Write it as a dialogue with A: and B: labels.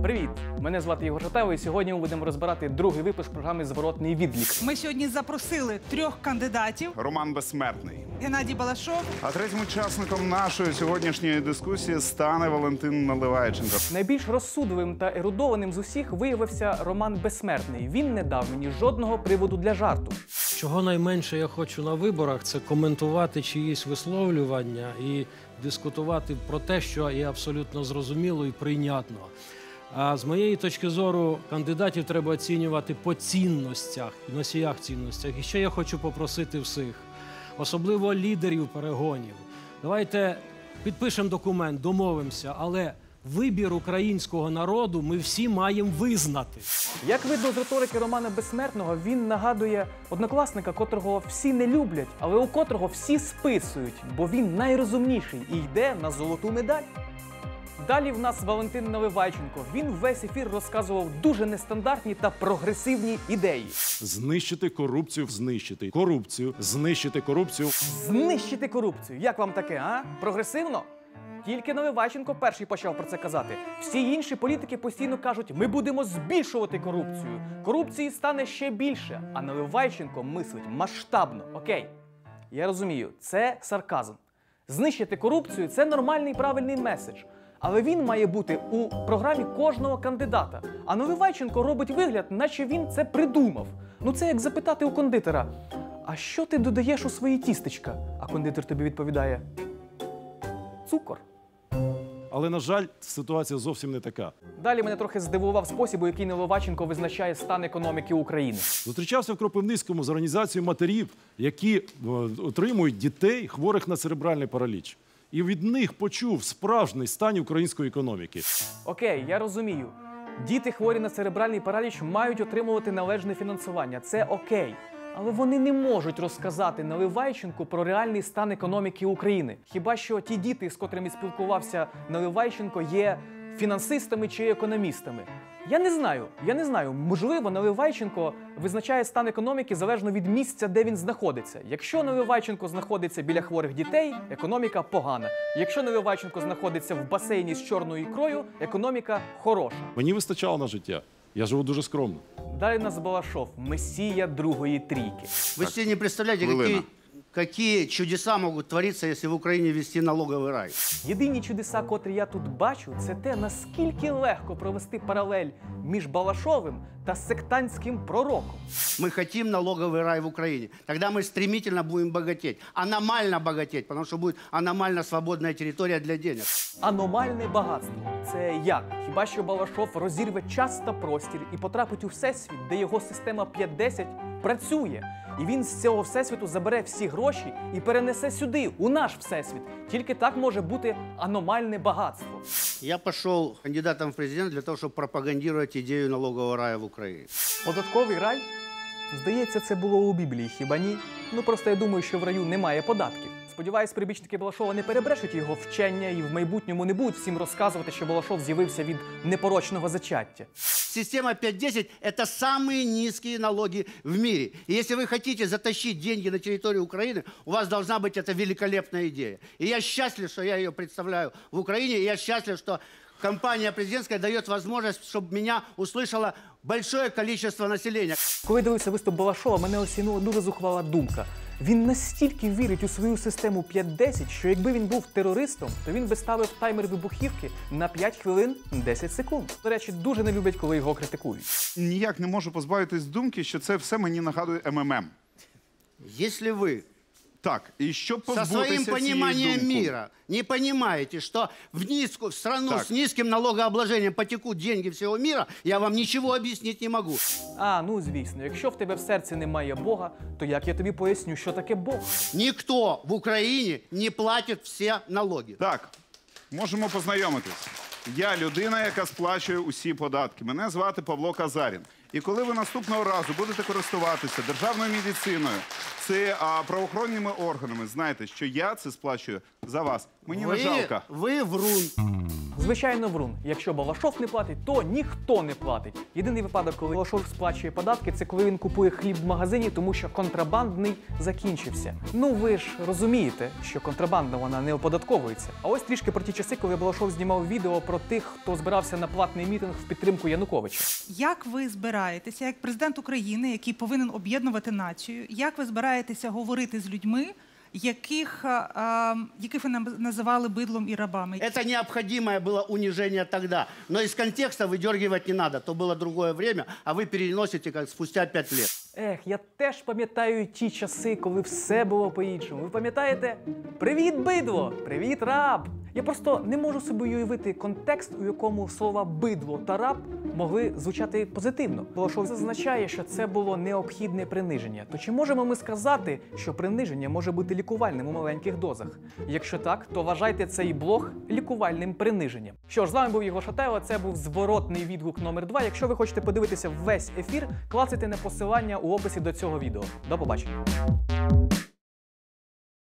A: Привіт! Мене звати Єгор Шатайло, і сьогодні ми будемо розбирати другий випуск програми «Зворотний відлік».
B: Ми сьогодні запросили 3 кандидатів.
C: Роман Безсмертний.
B: Геннадій Балашов.
C: А третім учасником нашої сьогоднішньої дискусії стане Валентин Наливайченко.
A: Найбільш розсудливим та ерудованим з усіх виявився Роман Безсмертний. Він не дав мені жодного приводу для жарту.
D: Чого найменше я хочу на виборах – це коментувати чиїсь висловлювання і дискутувати про те, що є абсолютно зрозуміло і прийнятно. А з моєї точки зору, кандидатів треба оцінювати по цінностях, носіях цінностях. І ще я хочу попросити всіх, особливо лідерів перегонів. Давайте підпишемо документ, домовимося, але вибір українського народу ми всі маємо визнати.
A: Як видно з риторики Романа Безсмертного, він нагадує однокласника, котрого всі не люблять, але у котрого всі списують, бо він найрозумніший і йде на золоту медаль. Далі в нас Валентин Наливайченко. Він весь ефір розказував дуже нестандартні та прогресивні ідеї.
E: Знищити корупцію, знищити корупцію, знищити корупцію.
A: Знищити корупцію. Як вам таке, а? Прогресивно? Тільки Наливайченко перший почав про це казати. Всі інші політики постійно кажуть, ми будемо збільшувати корупцію. Корупції стане ще більше. А Наливайченко мислить масштабно. Окей, я розумію, це сарказм. Знищити корупцію – це нормальний правильний меседж. Але він має бути у програмі кожного кандидата. А Наливайченко робить вигляд, наче він це придумав. Ну це як запитати у кондитера, а що ти додаєш у свої тістечка? А кондитер тобі відповідає, цукор.
E: Але, на жаль, ситуація зовсім не така.
A: Далі мене трохи здивував спосіб, у який Наливайченко визначає стан економіки України.
E: Зустрічався в Кропивницькому з організацією матерів, які отримують дітей, хворих на церебральний параліч. І від них почув справжній стан української економіки.
A: Окей, я розумію. Діти, хворі на церебральний параліч, мають отримувати належне фінансування. Це окей. Але вони не можуть розказати Наливайченку про реальний стан економіки України. Хіба що ті діти, з котрими спілкувався Наливайченко, є фінансистами чи економістами. Я не знаю. Можливо, Наливайченко визначає стан економіки залежно від місця, де він знаходиться. Якщо Наливайченко знаходиться біля хворих дітей, економіка погана. Якщо Наливайченко знаходиться в басейні з чорною ікрою, економіка хороша.
E: Мені вистачало на життя. Я живу дуже скромно.
A: Далі нас Балашов, месія другої трійки.
F: Вы себе не представляете, какие чудеса могут твориться, если в Украине ввести налоговый рай.
A: Єдині чудеса, котрі я тут бачу, це те, наскільки легко провести паралель між Балашовим та сектантським пророком.
F: Мы хотим налоговый рай в Украине. Тогда мы стремительно будем богатеть. Аномально богатеть, потому что будет аномально свободная территория для денег.
A: Аномальне багатство. Це як? Хіба що Балашов розірве час та простір і потрапить у всесвіт, де його система 5-10 працює. І він з цього всесвіту забере всі гроші і перенесе сюди, у наш всесвіт. Тільки так може бути аномальне багатство.
F: Я пошел кандидатом в президент для того, чтобы пропагандировать идею налогового рая в Украине.
A: Податковий рай? Здається, це було у Біблії, хіба ні? Ну просто я думаю, що в раю немає податків. Сподіваюсь, прибічники Балашова не перебрешуть його вчення і в майбутньому не будуть всім розказувати, що Балашов з'явився від непорочного зачаття.
F: Система 5-10 – это самые низкие налоги в мире. И если вы хотите затащить деньги на территорию Украины, у вас должна быть эта великолепная идея. И я счастлив, что я ее представляю в Украине, и я счастлив, что компания президентская дает возможность, чтобы меня услышало большое количество населения.
A: Коли дивився виступ Балашова, мене осінула дуже зухвала думка. Він настільки вірить у свою систему 5-10, що якби він був терористом, то він би ставив таймер вибухівки на 5 хвилин 10 секунд. До речі, дуже не люблять, коли його критикують.
C: Ніяк не можу позбавитись думки, що це все мені нагадує МММ.
F: Если вы
C: Так, і щоб
F: со
C: позбутися
F: своим
C: цієї
F: пониманием
C: думки.
F: мира не понимаете, что в страну
C: Так.
F: с низким налогообложением потекут деньги всего мира, я вам ничего объяснить не могу.
A: А, ну звісно, якщо в тебе в серці немає Бога, то як я тобі поясню, що таке Бог?
F: Никто в Украине не платит все налоги.
C: Так, можемо познайомитись. Я людина, яка сплачує усі податки. Мене звати Павло Казарін. І коли ви наступного разу будете користуватися державною медициною, правоохоронними органами, знайте, що я це сплачую за вас. Мені не жалко.
F: Вы врун.
A: Звичайно, врун. Якщо Балашов не платить, то ніхто не платить. Єдиний випадок, коли Балашов сплачує податки, це коли він купує хліб в магазині, тому що контрабандний закінчився. Ну ви ж розумієте, що контрабанда вона не оподатковується. А ось трішки про ті часи, коли Балашов знімав відео про тих, хто збирався на платний мітинг в підтримку Януковича.
B: Як ви збираєтеся, як президент України, який повинен об'єднувати націю, як ви збираєтеся говорити з людьми, яких ви називали бидлом і рабами?
F: Это необходимое было унижение тогда. Но из контекста выдергивать не надо. То было другое время, а вы переносите как спустя 5 лет.
A: Ех, я теж пам'ятаю ті часи, коли все було по-іншому. Ви пам'ятаєте? Привіт, бидло! Привіт, раб! Я просто не можу собі уявити контекст, у якому слова бидло та раб могли звучати позитивно. Балашов зазначає, що це було необхідне приниження. То чи можемо ми сказати, що приниження може бути лікувальним у маленьких дозах? Якщо так, то вважайте цей блог лікувальним приниженням. Що ж, з вами був Єгор Шатайло, це був зворотний відгук номер 2. Якщо ви хочете подивитися весь ефір, клацайте на посилання у описі до цього відео. До побачення.